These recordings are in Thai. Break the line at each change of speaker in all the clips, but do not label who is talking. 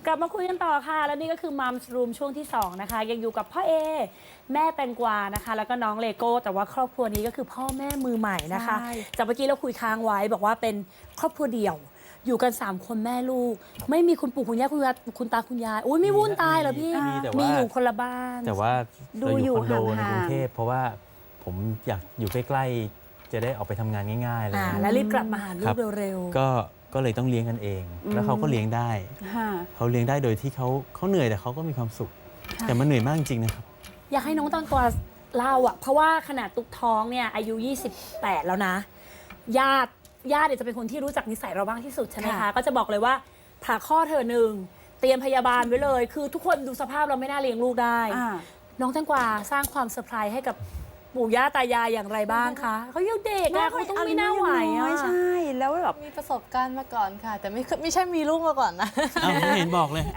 กลับมาคุยกันต่อค่ะ แล้วนี่ก็คือมัมส์รูมช่วงที่2นะคะยังอยู่กับพ่อเอแม่แตงกวานะคะแล้วก็น้องเลโก้แต่ว่าครอบครัวนี้ก็คือพ่อแม่มือใหม่นะคะจากเมื่อกี้เราคุยค้างไว้บอกว่าเป็นครอบครัวเดี่ยวอยู่กัน3คนแม่ลูกไม่มีคุณปู่คุณย่าคุณตาคุณยายอุ้ยไม่วุ่นตายเหรอพี่มีอยู่คนละบ้าน
แต่ว่าเราอยู่คอนโดในกรุงเทพเพราะว่าผมอยากอยู่ใกล้ๆจะได้ออกไปทำงานง่ายๆเลย
แล้วรีบกลับมาหาลูกเร็วๆ
ก็เลยต้องเลี้ยงกันเองแล้วเขาก็เลี้ยงได้เขาเลี้ยงได้โดยที่เขาเหนื่อยแต่เขาก็มีความสุขแต่มันเหนื่อยมากจริงๆนะครับ
อยากให้น้องแตงกวาเล่าอ่ะเพราะว่าขนาดตุกท้องเนี่ยอายุ28แล้วนะญาติเนี่ยจะเป็นคนที่รู้จักนิสัยเราบ้างที่สุดใช่ไหมคะก็จะบอกเลยว่าผ่าข้อเธอหนึ่งเตรียมพยาบาลไว้เลยคือทุกคนดูสภาพเราไม่น่าเลี้ยงลูกได้น้องแตงกวาสร้างความเซอร์ไพรส์ให้กับปู่ย่าตายายอย่างไรบ้างคะเขายังเด็กอะเขาต้องไม่น่าไหวอะ
ใช่แล้วแบบ
มีประสบการณ์มาก่อนค่ะ แต่ไม่ใช่มีลูกมาก่อนนะ
ไม่เห็นบอกเลย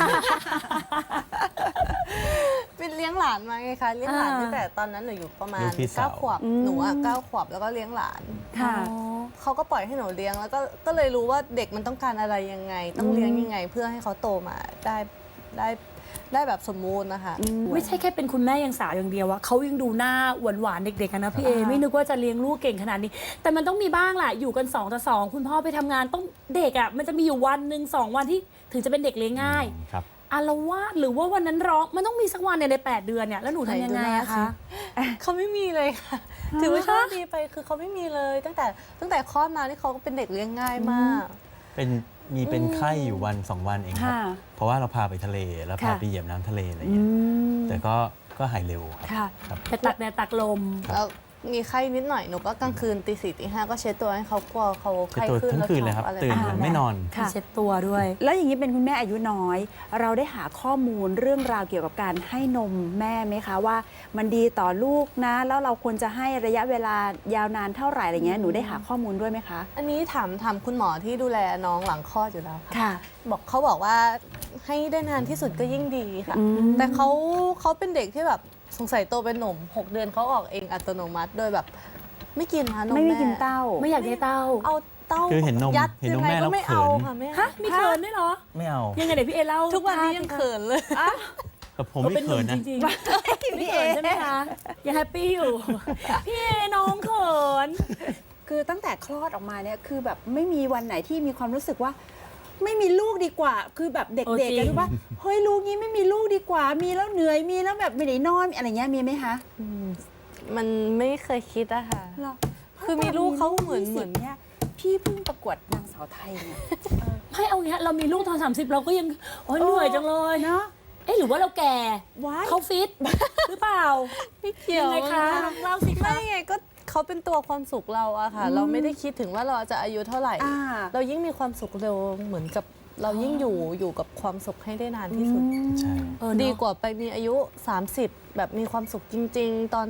เป็นเลี้ยงหลานมาไงคะเลี้ยงหลานตั้งแต่ตอนนั้นหนูอยู่ประมาณ9 ขวบหนู9 ขวบแล้วก็เลี้ยงหลานเขาก็ปล่อยให้หนูเลี้ยงแล้วก็เลยรู้ว่าเด็กมันต้องการอะไรยังไงต้องเลี้ยงยังไงเพื่อให้เขาโตมาได้แบบสมบูรณ์นะคะ
ไม่ใช่แค่เป็นคุณแม่ยังสาวอย่างเดียวอะเขายังดูหน้าหวานๆเด็กๆกันนะพี่เอไม่นึกว่าจะเลี้ยงลูกเก่งขนาดนี้แต่มันต้องมีบ้างแหละอยู่กัน2 ต่อ 2คุณพ่อไปทำงานต้องเด็กอะมันจะมีอยู่วันหนึ่ง2 วันที่ถึงจะเป็นเด็กเลี้ยงง่ายอาละวาดหรือว่าวันนั้นร้องมันต้องมีสักวันใน8 เดือนเนี่ยแล้วหนูทำยังไงอะคะ
เขาไม่มีเลยค่ะถือว่าโชคดีไปคือเขาไม่มีเลยตั้งแต่คลอดมาที่เขาก็เป็นเด็กเลี้ยงง่ายมาก
เป็นไข้อยู่วัน2 วันเองครับเพราะว่าเราพาไปทะเลแล้วพาไปเหยียบน้ำทะเลอะไรอย่างเงี้ยแต่ก็หายเร็วครับ
ไปตักแดดตักลม
แล้วมีไข้นิดหน่อยหนูก็กลางคืนตี 4 ตี 5ก็เช็ดตัวให้เขากลัวเขาไข้ขึ้น
ทั้งคืนเลยครับตื่นไม่นอน
เช็ดตัวด้วย
แล้วอย่างนี้เป็นคุณแม่อายุน้อยเราได้หาข้อมูลเรื่องราวเกี่ยวกับการให้นมแม่ไหมคะว่ามันดีต่อลูกนะแล้วเราควรจะให้ระยะเวลายาวนานเท่าไหร่อะไรเงี้ยหนูได้หาข้อมูลด้วยไหมคะ
อันนี้ถามคุณหมอที่ดูแลน้องหลังคลอดอยู่แล้วค่ะเขาบอกว่าให้ได้นานที่สุดก็ยิ่งดีค่ะแต่เขาเป็นเด็กที่แบบสงสัยโตเป็นหนุ่ม6 เดือนเขาออกเองอัตโนมัติโดยแบบไม่กินนะนมแม่
ไม่กินเต้า
ไม่อยากได้เต้า
เอาเต้า
คือเห็นนมแม่แล้ว
ไม่เอาค่ะแม่
ฮะมีเขินด้วยเหรอ
ไม่เอา
ยังไงเดี๋ยวพี่เอเล่า
ทุกวันนี้ยังเขินเลย
แต่ผมไม่เขินนะ
จริงๆไม่เขินใช่ไหมคะยังแฮปปี้อยู่พี่เอน้องเขิน
คือตั้งแต่คลอดออกมาเนี่ยคือแบบไม่มีวันไหนที่มีความรู้สึกว่าไม่มีลูกดีกว่าคือแบบเด็กๆกันรู้ป่ะเฮ้ยลูกนี้ไม่มีลูกดีกว่ามีแล้วเหนื่อยมีแล้วแบบไม่ได้นอนอะไรเงี้ยมีไหมคะ
มันไม่เคยคิดอะค่ะคือมีลูกเขาเหมือน
เนี่ยพี่เพิ่งประกวดนางสาวไทยเนี่ย
ให้เอาเงี้ยเรามีลูกตอน30เราก็ยังเหนื่อยจังเลยเนาะหรือว่าเราแก่เขาฟิตหรือเปล่า
ไม่เกี่ยว
ไงคะเล่าสิคะ
ไม่ไงก็เขาเป็นตัวความสุขเราอะค่ะเราไม่ได้คิดถึงว่าเราจะอายุเท่าไหร่เรายิ่งมีความสุขเร็วเหมือนกับเรายิ่งอยู่กับความสุขให้ได้นานที่สุดดีกว่าไปมีอายุ30แบบมีความสุขจริงๆตอน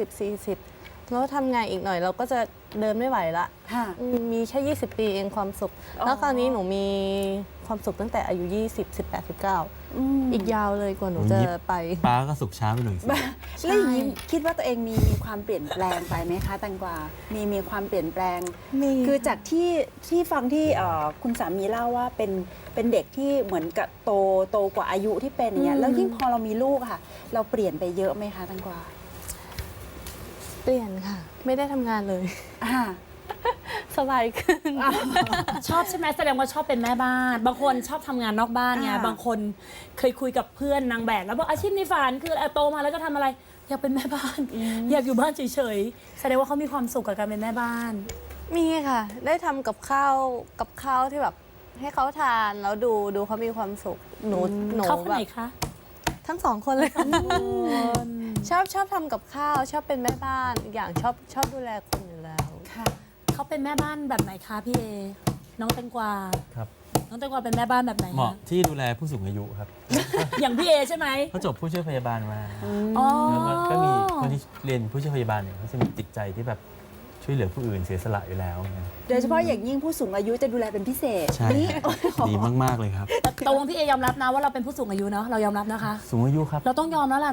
30-40แล้วทำงานอีกหน่อยเราก็จะเดินไม่ไหวละมีแค่20 ปีเองความสุขแล้วคราวนี้หนูมีความสุขตั้งแต่อายุ20 18 19อีกยาวเลยกว่าหนูจะไป
ป้าก็สุขช้าไปหน่อยสิ
แล้วอย่างนี้คิดว่าตัวเองมีความเปลี่ยนแปลงไปไหมคะแตงกวามีความเปลี่ยนแปลงคือจากที่ฟังที่คุณสามีเล่าว่าเป็นเด็กที่เหมือนกับโตกว่าอายุที่เป็นอย่างเงี้ยแล้วยิ่งพอเรามีลูกค่ะเราเปลี่ยนไปเยอะไหมคะแตงกวา
เปลี่ยนค่ะไม่ได้ทำงานเลยสบายขึ้น
ชอบใช่ไหมแสดงว่าชอบเป็นแม่บ้านบางคนชอบทำงานนอกบ้านไงบางคนเคยคุยกับเพื่อนนางแบบแล้วบอกอาชีพในฝันคือโตมาแล้วก็ทำอะไรอยากเป็นแม่บ้านอยากอยู่บ้านเฉยๆแสดงว่าเขามีความสุขกับการเป็นแม่บ้าน
มีค่ะได้ทำกับข้าวที่แบบให้เขาทานแล้วดูเขามีความสุขหนู
เขาคนไหนคะ
ทั้ง2 คนเลยชอบทำกับข้าวชอบเป็นแม่บ้านอย่างชอบดูแลคนอยู่แล้ว
ค่ะเขาเป็นแม่บ้านแบบไหนคะพี่เอน้องแตงกวา
ครับ
น้องแตงกวาเป็นแม่บ้านแบบไหน
เหมาะที่ดูแลผู้สูงอายุครับ
อย่างพี่เอใช่ไหม
เขาจบผู้ช่วยพยาบาลมาแล้วก็มีคนที่เรียนผู้ช่วยพยาบาลเนี่ยเขาจะมีจิตใจที่แบบช่วยเหลือผู้อื่นเสียสละอยู่แล้ว
โดยเฉพาะอย่างยิ่งผู้สูงอายุจะดูแลเป็นพิเศษ
ใช่ดีมากๆเลยครับ
ตรงพี่เอยอมรับนะว่าเราเป็นผู้สูงอายุเนาะเรายอมรับนะคะ
สูงอายุครับ
เราต้องยอมแล้วล่ะเนาะ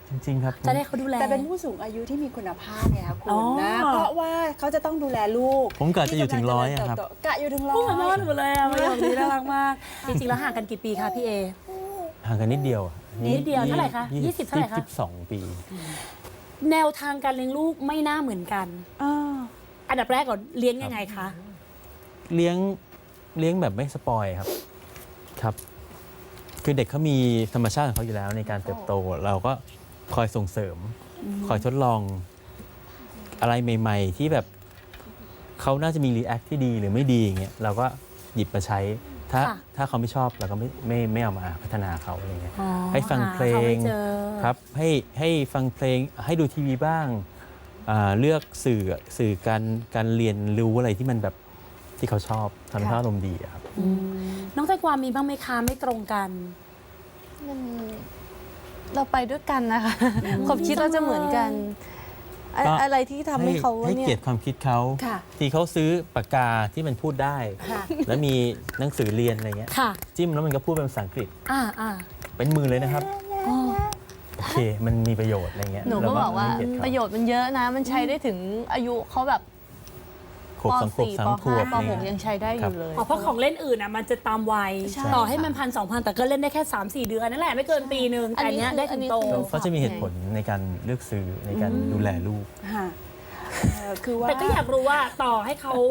จริง ๆ ครับ
จะได้เขาดูแล
แต่เป็นผู้สูงอายุที่มีคุณภาพเนี่ยค่ะคุ
อ๋
ณ
อ
นะเพราะว่าเขาจะต้องดูแลลูก
ผมกะจะอยู่ถึง100อะครับ
ที่กำลังเจญเติโตกะอยู่ถึงร้อ
พูดเหมือนพ่อย หนูเลยอะประโยคนี้น่ารักมาก จริงๆแล้วห่างกันกี่ปีคะพี่เอ
ห่างกันนิดเดียว
นิดเดียวเท่าไหร่คะ20เท่าไหร่คะ
22 ปี
แนวทางการเลี้ยงลูกไม่น่าเหมือนกัน อันดับแรกก่อนเลี้ยงยังไงคะ
เลี้ยงแบบไม่สปอยครับครับ คือเด็กเขามีธรรมชาติของเขาอยู่แล้วในการเติบโต เราก็คอยส่งเสริม คอยทดลองอะไรใหม่ ๆ ที่แบบเขาน่าจะมีรีแอคที่ดีหรือไม่ดีอย่างเงี้ยเราก็หยิบมาใช้ ถ้า
ค่ะ
ถ้าเขาไม่ชอบเราก็ไม่เอามาพัฒนาเขาอะไรเงี้ย
อ๋อ
ให้ฟังเพล
หาเขา
ง
ไม่เจอ
ครับให้ฟังเพลงให้ดูทีวีบ้างเลือกสื่อการเรียนรู้อะไรที่มันแบบที่เขาชอบทำให้เขาอารมณ์ดีอะครับ
น้องแตงกวามีบ้างไหมคะไม่ตรงกัน
มันเราไปด้วยกันนะคะ ความคิดเราจะเหมือนกัน
ก็
อะไรที่ทำให้เขา
ให้
เนี่
เกีย
ย
รติความคิดเขา
ค่ะ
ที่เขาซื้อปากกาที่มันพูดได้
ค่ะ
แล้วมีหนังสือเรียนอะไรเงี้ย
ค่ะ
จิ้มแล้วมันก็พูดเป็นภาษาอังกฤษ
อ่า
เป็นมือเลยนะครับโอเคมันมีประโยชน์อะไรเงี้ย
หนูก็บอกว่า
ให้เกียรติ
ป
เขา
ระโยชน์มันเยอะนะ มันใช้ได้ถึงอายุเขาแบบ
ขวบ
ป
สองขวบ
.4
สาม
ป
ขวบ
.5 ป .6 ยังใช้ได้อยู่เลย
อ๋อเพราะของเล่นอื่นอ่ะมันจะตามวัย
ใช่
ต่อให้มัน1,000-2,000 แต่ก็เล่นได้แค่ 3-4 เดือนนั่นแหละไม่เกินปีนึงแต่อันเนี้ยได้ถึงโต
เขาจะมีเหตุผลในการเลือกซื้อในการดูแลลูก
ค่ะคือว่า
แต่ก็อยากรู้ว่าต่อให้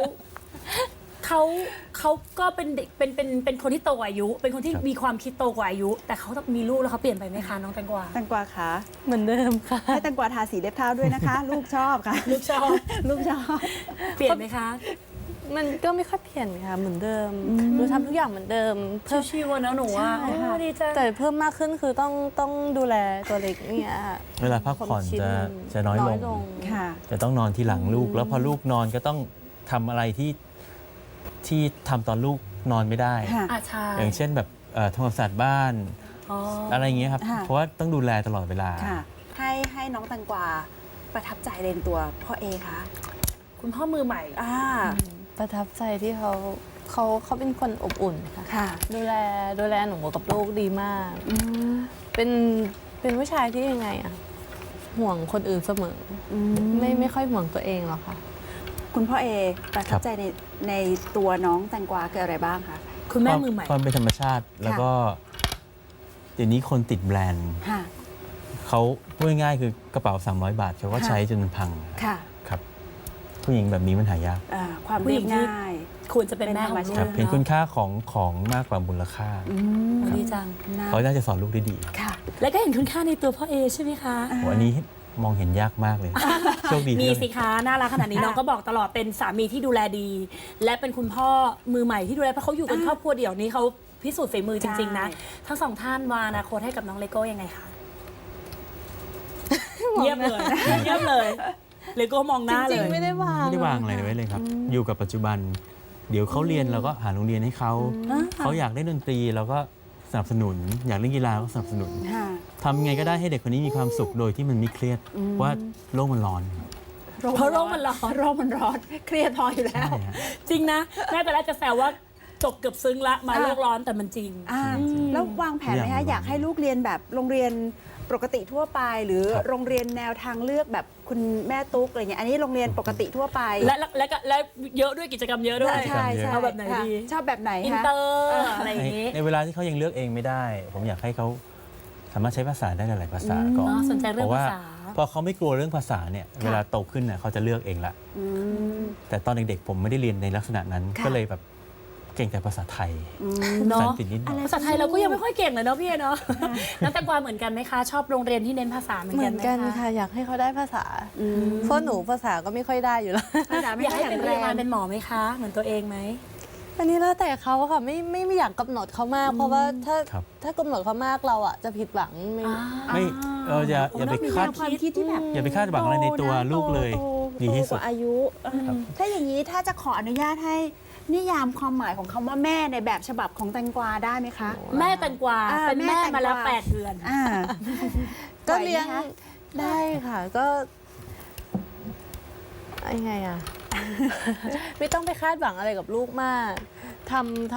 เขาก็เป็นเด็กเป็นคนที่โตกว่าอายุ เป็นคนที่
ครับ
มีความคิดโตกว่าอายุ แต่เขามีลูกแล้วเขาเปลี่ยนไปไหมคะน้องแตงกวา
แตงกวาคะ
เหมือนเดิมค่ะ
ให้แตงกวาทาสีเล็บเท้าด้วยนะคะ ลูกชอบค่ะ
ลูกชอบ
ลูกชอบ
เปลี่ยนไหมคะ
มันก็ไม่ค่อยเปลี่ยนค่ะเหมือนเดิมหนูทำทุกอย่างเหมือนเดิมเพิ่ม
ชิวๆนะหนูว่า
ใช่ค่ะ
ดีจัง
แต่เพิ่มมากขึ้นคือต้องดูแลตัวเล็กเนี่ยค่ะ
เวลาพักผ่อน
ความคิด
จะน้อยลง
ค่ะ
จะต้องนอนที่หลังลูก แล้วพอลูกนอนก็ต้องทำอะไรที่ทำตอนลูกนอนไม่ได้
ค่ะ
อาชา
อย่างเช่นแบบทำความสะอาดบ้าน
อ๋อ
อะไรอย่างเงี้ยครับ
ค่ะ
เพราะว่าต้องดูแลตลอดเวลา
ค่ะ ให้น้องแตงกวาประทับใจในตัวพ่อเอคะ
คุณพ่อมือใหม่
ประทับใจที่เขาเป็นคนอบอุ่นค่ะ
ค่ะ
ดูแลหนูกับลูกดีมาก เป็นผู้ชายที่ยังไงอะห่วงคนอื่นเสมอไม่ค่อยห่วงตัวเองหรอกค่ะ
คุณพ่อเอประทับใจในตัวน้องแตงกวาคืออะไรบ้างคะ
คุณแม่มือใหม่
ความเป็นธรรมชาติ แล้วก็เดี๋ยวนี้คนติดแบรนด์
ค่ะ
เขาพูดง่ายๆคือกระเป๋า300 บาทเขาก็
ค่ะ
ใช้จนมันพัง
ค่ะ
ครับ ผู้หญิงแบบนี้มันหายาก
ความ
ผู้ห
เรี
ญิ
ยบ
งที่
ง่าย
ควรจะเป็นแม่ของ
เป็นธรรม
ลู
ชาติ
ก
เห็นคุณค่าของมากกว่ามูลค่า ครับ
ดีจัง
นะ
เขาน่าจะสอนลูกได้ดี
ค่ะ
แล้วก็เห็นคุณค่าในตัวพ่อเอใช่ไหมคะ
โหอันนี้มองเห็นยากมากเลย โชคดี
มี
ที่
สิคะน่ารักขนาดนี้น้องก็บอกตลอดเป็นสามีที่ดูแลดี และเป็นคุณพ่อมือใหม่ที่ดูแลเพราะเขาอยู่กันครอบครัวเดี่ยวนี้เขาพิสูจน์ฝีมือจริงๆนะ ทั้งสองท่านวางอนาคตให้กับน้องเลโก้ยังไงคะเงียบเลยเงียบเลยเลโก้มองห
จ
น้าเล
ริง
ย
ๆไม่ได้วาง
ไม่ได้วางอะไรไว้เลยครับ อยู่กับปัจจุบัน เดี๋ยวเขาเรียนเราก็หาโรงเรียนให้เขา เขาอยากเล่นดนตรีเราก็สนับสนุน อยากเล่นกีฬาก็สนับสนุน
ค่ะ
ทำไงก็ได้ให้เด็กคนนี้มีความสุขโดยที่มันไม่เครียดว่าโลกมันร้อน
เพราะโรคมันร้อน
โรคมันร้อน เครียดพออยู่แล้ว
ใช่ฮะ
จริงนะแม่แต่แรกจะแซวว่าจบเกือบซึ้งละมาโลกร้อนแต่มันจริง
แล้ววางแผนไหม
ทุกอ
คะ
ย่าง
อยากให้ลูกเรียนแบบโรงเรียนปกติทั่วไป หรือ
ครับ
โรงเรียนแนวทางเลือกแบบคุณแม่ตุ๊กอะไรเงี้ยอันนี้โรงเรียนปกติทั่วไป
และเยอะด้วยกิจกรรมเยอะด้วย
ใช่ใช่
เอาแบบไหน
ค่ะ
ดี
ชอบแบบไหน
อิน
คะ
เตอร์อะไรอย่างนี้
ในเวลาที่เขายังเลือกเองไม่ได้ ผมอยากให้เขาสามารถใช้ภาษาได้หลายๆภาษาก่อน
อ๋อสนใจเรื่อง
เพราะว่า
ภาษา
พอเขาไม่กลัวเรื่องภาษาเนี่ยเวลาโตขึ้นน่ะเขาจะเลือกเองละ
อืม
แต่ตอนเด็กๆผมไม่ได้เรียนในลักษณะนั้น
ค่ะ
ก็เลยแบบเก่งแต่ภาษาไทย
เนาะ
ภาษาอังกฤษนิดหน่อย
ภาษาไทยเราก็ยังไม่ค่อยเก่งเลยเนาะพี่เอเนาะน้องแตงกวาเหมือนกันไหมคะ ชอบโรงเรียนที่เน้นภาษาเหมือน
เหมื
กั
อน น
ไหม
กัน
คะ
ค่ะ อยากให้เขาได้ภาษาเพราะหนูภาษาก็ไม่ค่อยได้อยู่แล้ว
ภาษาไม่
อยาก
ค่อย
ให้
แข็
เป็น
ง แรง
พยาบาลเป็นหมอไหมคะ เหมือนตัวเองไหม
อันนี้แล้วแต่เขาค่ะไม่อยากกำหนดเขามาก เพราะว่าถ้า
ครับ
ถ้ากำหนดเขามากเราอ่ะจะผิดหวังไม่
ไม่อย่าไปคาด
ความคิดที่แบบ
อย่าไปคาดหวังอะไรในตัวลูกเลย
โต
ดีที่สุด
กว่าอายุถ้าอย่างนี้ถ้าจะขออนุญาตให้นิยามความหมายของคำว่าแม่ในแบบฉบับของแตงกวาได้ไหมคะ
แม่แตงกวา เป็นแม่มาแล้ว
แม่แตงกวา
8 เดือน
อ่า
ก็เลี้ยง
ไหวไหมคะ
ได้ค่ะก็ยังไงอ่ะ ไม่ต้องไปคาดหวังอะไรกับลูกมาก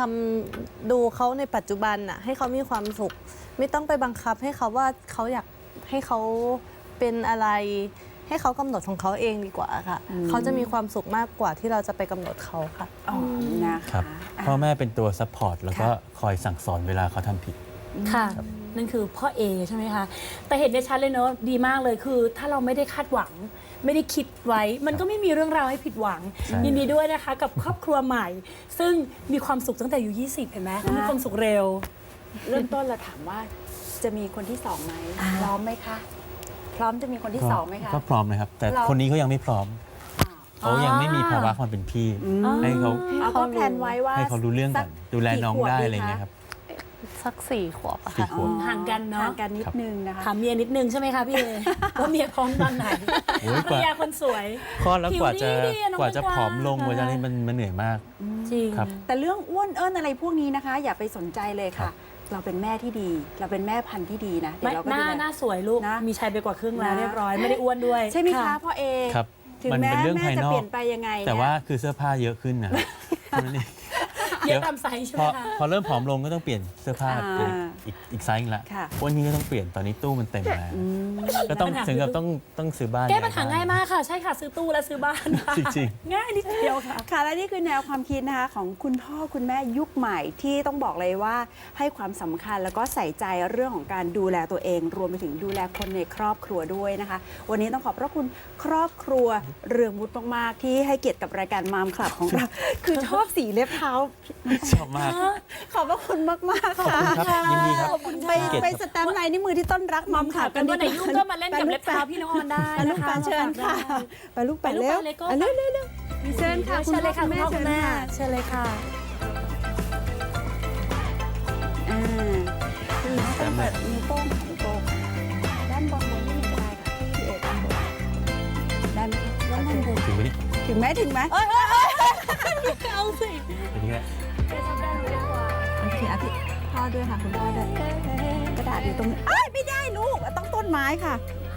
ทำดูเขาในปัจจุบันน่ะให้เขามีความสุข ไม่ต้องไปบังคับให้เขาว่าเขาอยากให้เขาเป็นอะไรให้เขากำหนดของเขาเองดีกว่าค่ะเขาจะมีความสุขมากกว่าที่เราจะไปกำหนดเขาค่ะ
อ๋อนะ
ครั
คะ
บพ่อแม่เป็นตัวซัพพอร์ตแล้วก็คอยสั่งสอนเวลาเขาทำผิด
ค่ะ นั่นคือพ่อเอใช่ไหมคะ แต่เห็นได้ชัดเลยเนอะดีมากเลยคือถ้าเราไม่ได้คาดหวัง ไม่ได้คิดไว้ มันก็ไม่มีเรื่องราวให้ผิดหวัง
ใช่
ยินดีด้วยนะคะกับครอบครัวใหม่ ซึ่งมีความสุขตั้งแต่อายุ20 เห็นไหมมีความสุขเร็ว
เริ่มต้นเราถามว่าจะมีคนที่สองไหมพร้อมไหมคะ พร้อมจะมีคนที่สองไหมคะ
ก็พร้อมนะครับ แต่
เรา
คนนี้เขายังไม่พร้อมเขายังไม่มีภาวะความเป็นพี่ ให้เขา
เอาก็แพลนไว้ว่า
ให้เขารู้เรื่องก่อนดูแลน้องได้อะไรเงี้ยครับ
สัก4 ขวบอะ
สี่
ค่ะ
ขวบ
ห่างกันเนอะ
ห่างกันนิดนึงนะคะ
ถามเมียนิดนึงใช่ไหมคะพี่เอ ว่าเมียพร้อมตอนไหน
โอ้ย
ภรรยาคนสวย
คลอดแล้วกว่าจะ
ผิวดีอะน้อง
กว่าจะ
กวาง
ผอมลงกว่าจะนี่มันเหนื่อยมาก
จริง
ครับ
แต่เรื่องอ้วนเอิ้นอะไรพวกนี้นะคะ อย่าไปสนใจเลย
ครั
ค่ะ
บ
เราเป็นแม่ที่ดี เราเป็นแม่พันธุ์ที่ดีนะเดี๋ย
ไม่
วเราก็
หน้า
ดูแล
หน้าสวยลูก
นะ
มีชัยไปกว่าครึ่งแล้ว
นะ
เรียบร้อย ไม่ได้อ้วนด้วย
ใช่ไหมคะพ่อเอ
ครับ
ถึง
มัน
แม้
เป็นเรื่อง
แม่
ภาย
จะ
นอ
เปลี่
ก
ยนไปยังไง
แต่
เนี่ย
ว่าคือเสื้อผ้าเยอะขึ้นนะเท่านั้นเอง
เยอะตามไซส์ใช่ไห
พ
ม
อ
คะ
พอเริ่มผอมลงก็ต้องเปลี่ยนเสื้อผ้า
อ่า
เป็นอีกไซส์หนึ่งละ
ค่ะ
วันนี้ก็ต้องเปลี่ยนตอนนี้ตู้มันเต็มแล้วก็ต้อง
ปัญหา
ถึงกับ
คือ
ต้องซื้อบ้าน
แก้ปัญหาง่ายมากค่ะ ใช่ค่ะ ซื้อตู้และซื้อบ้านค่ะ
จริง
ง่ายนิดเดียวค่ะ
ค่ะและนี่คือแนวความคิดนะคะของคุณพ่อคุณแม่ยุคใหม่ที่ต้องบอกเลยว่าให้ความสำคัญแล้วก็ใส่ใจเรื่องของการดูแลตัวเอง รวมไปถึงดูแลคนในครอบครัวด้วยนะคะ วันนี้ต้องขอบพระคุณครอบครัวเรืองวุฒิมากๆที่ให้เกียรติกับรายการมามคลับของเรา คือชอบสีเล็บเท้า
ๆชอบมาก
ขอบพระคุณมากๆ
ขอบ
ค่ะ
คุณครับยินดีครับ
ขอบคุณค่ะ
ไป
เกียรติ
ไป
ครับ
สแตมป์ลายนิ้วมือที่ต้นรักมามคลับ
กันวันไหนยุ่งก็มาเล่นกับเล็บเท้าพี่น้องออนได้
ไปลูก
นะคะ
ไปเชิญค่ะไปลูกไป
ไปลูก
เร็ว
ไปเลยก็
เร็วเร็วเร็วเชิญค่ะ
เชิญเลยค่ะคุณพ่อคุณแม่
เชิญ
เชิญเลยค่ะ
อ่าคือต้องเปิดนิ้วโป้งค่ะนิ้วโป้งด้านบนนี่ก็ได้ค่ะพี่เอกด้านบนได้ไหมคะด้านบน
ถึงไหมนี่
ถึงไหมถึงไหม
เอาสิ
อันนี้แหละ
เจ๊ชอบได้หนูดีกว่า
โอเคอ่ะพี่พ่อด้วยค่ะคุณพ่อด้วยกระดาษอยู่ตรงนี้เอ้ยไม่ได้ลูกต้องต้นไม้ค่ะ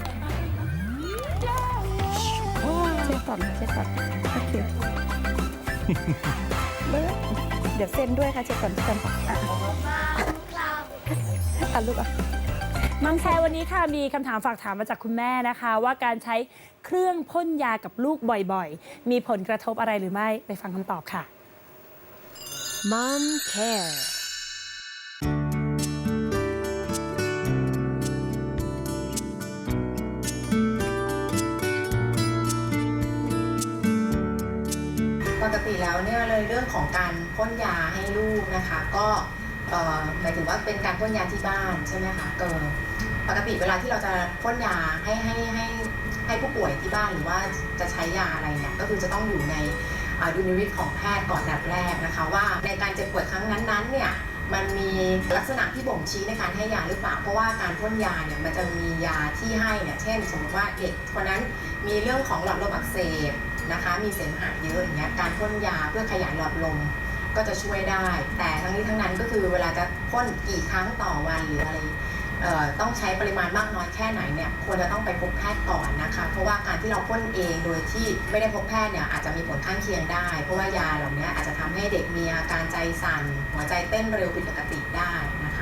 เช็ดก่อนค่ะเช็ดก่อนโอเคเบิร์ดเดี๋ยวเซ็นด้วยค่ะเช็ดก่อนเช็ดก่อนอ่ะลูกอ่ะ
มัมแชร์วันนี้ค่ะมีคำถามฝากถามมาจากคุณแม่นะคะ ว่าการใช้เครื่องพ่นยากับลูกบ่อยๆ มีผลกระทบอะไรหรือไม่ไปฟังคำตอบค่ะ
Mom Care
ปกติแล้วเนี่ยเลยเรื่องของการพ่นยาให้ลูกนะคะ ก็หมายถึงว่าเป็นการพ่นยาที่บ้านใช่ไหมคะปกติเวลาที่เราจะพ่นยาให้ผู้ป่วยที่บ้านหรือว่าจะใช้ยาอะไรเนี่ยก็คือจะต้องอยู่ในดุลยพินิจของแพทย์ก่อนแบบแรกนะคะว่าในการเจ็บป่วยครั้งนั้นๆเนี่ยมันมีลักษณะที่บ่งชี้ในการให้ยาหรือเปล่าเพราะว่าการพ่นยาเนี่ยมันจะมียาที่ให้เนี่ยเช่น สมมติว่าเด็กคนนั้นมีเรื่องของหลอดลมอักเสบนะคะมีเสมหะเยอะอย่างเงี้ยการพ่นยาเพื่อขยายหลอดลมก็จะช่วยได้ แต่ทั้งนี้ทั้งนั้นก็คือเวลาจะพ่นกี่ครั้งต่อวันหรืออะไรต้องใช้ปริมาณมากน้อยแค่ไหนเนี่ยควรจะต้องไปพบแพทย์ก่อนนะคะเพราะว่าการที่เราพ่นเองโดยที่ไม่ได้พบแพทย์เนี่ยอาจจะมีผลข้างเคียงได้ เพราะว่ายาเหล่านี้อาจจะทำให้เด็กมีอาการใจสั่นหัวใจเต้นเร็วผิดปกติได้นะคะ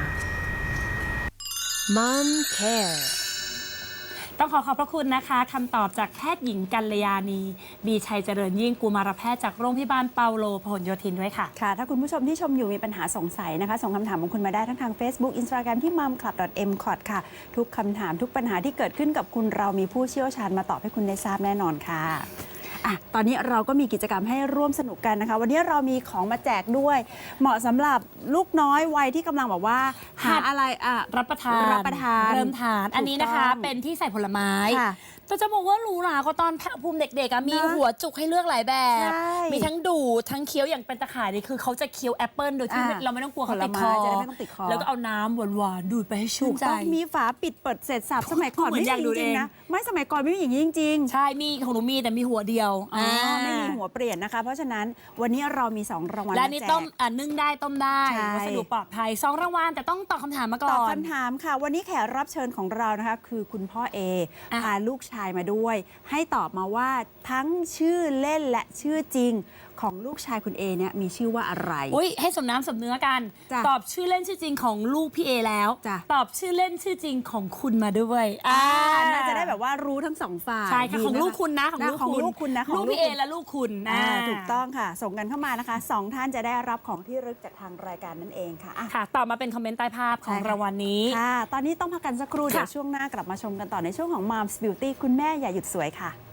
Mom Care
ต้องขอขอบพระคุณนะคะคำตอบจากแพทย์หญิงกัลยาณีบีชัยเจริญยิ่งกุมารแพทย์จากโรงพยาบาลเปาโลพหลโยธินด้วยค่ะ
ค่ะ ถ้าคุณผู้ชมที่ชมอยู่มีปัญหาสงสัยนะคะ ส่งคำถามของคุณมาได้ทั้งทาง Facebook Instagram ที่ mumclub.mcot ค่ะ ทุกคำถามทุกปัญหาที่เกิดขึ้นกับคุณเรามีผู้เชี่ยวชาญมาตอบให้คุณได้ทราบแน่นอนค่ะอ่ะ ตอนนี้เราก็มีกิจกรรมให้ร่วมสนุกกันนะคะ วันนี้เรามีของมาแจกด้วย เหมาะสำหรับลูกน้อยวัยที่กำลังแบบว่าหาอะไร
รับประทาน
รับประทาน
เริ่มทาน อันนี้นะคะ
ถูกต้อง
เป็นที่ใส่ผลไม้
ค่ะ
แต่จะบอกว่าหรูหราก็ตอนภูมิเด็กๆอะมี
นะ
หัวจุกให้เลือกหลายแบบ
ใช่
มีทั้งดูดทั้งเคี้ยวอย่างเป็นตะข่ายนี่คือเขาจะเคี้ยวแอปเปิลโดยที่
อ่ะ
เราไม่ต้องกลัวเขาติดค
ผล
อ
ไม้จะได้ไม่ต้องติดคอ
แล้วก็เอาน้ำหวานๆดูดไปให้ชื่
ถู
น
ก
ใจ
ต้องมีฝาปิดเปิดเสร็จสับสมัยก่อน
เหมือน
ไม่
อยาก
มี
ดู
จริง
เอง
ๆนะไม่สมัยก่อนไม่มีอย่างนี้จริงๆ
ใช่มีของหนูมีแต่มีหัวเดียว
อ๋อไม่มีหัวเปลี่ยนนะคะ เพราะฉะนั้นวันนี้เรามี 2 รางวัล
และ
มา
นี่
แจก
ต้มนึ่งได้ต้มได้
ใช่
วัสดุปลอดภัย2 รางวัลแต่ต้องตอบคำถามมาก่
ตอบ
อน
คำถามค่ะ วันนี้แขกรับเชิญของเรานะคะ คือคุณพ่อเอ
อ่ะ
พาลูกชายมาด้วย ให้ตอบมาว่าทั้งชื่อเล่นและชื่อจริงของลูกชายคุณเอเนี่ยมีชื่อว่าอะไร
อุ้ยให้สมน้ำสมเนื้อกัน
จ้ะ
ตอบชื่อเล่นชื่อจริงของลูกพี่เอแล้ว
จ้ะ
ตอบชื่อเล่นชื่อจริงของคุณมาด้วย
น่าจะได้แบบว่ารู้ทั้งสองฝ่าย
ใช่ค่ะ
ดี
ของ
ไหม
ลูกคุณนะของลูก
ของ
คุณ
ลูกคุณนะของ
ลูกพี่เอและลูกคุณ
ถูกต้องค่ะ ส่งกันเข้ามานะคะ2ท่านจะได้รับของที่ระลึกจากทางรายการนั่นเองค่ะ
ค่ะตอบมาเป็นคอมเมนต์ใต้ภาพของ
ใช่ค่ะ
รางวัลนี้
ค่ะ ตอนนี้ต้องพักกันสักครู่
ค่ะ
เดี๋ยวช่วงหน้ากลับมาชมกันต่อในช่วงของ Mom's Beauty คุณแม่อย่าหยุดสวยค่ะ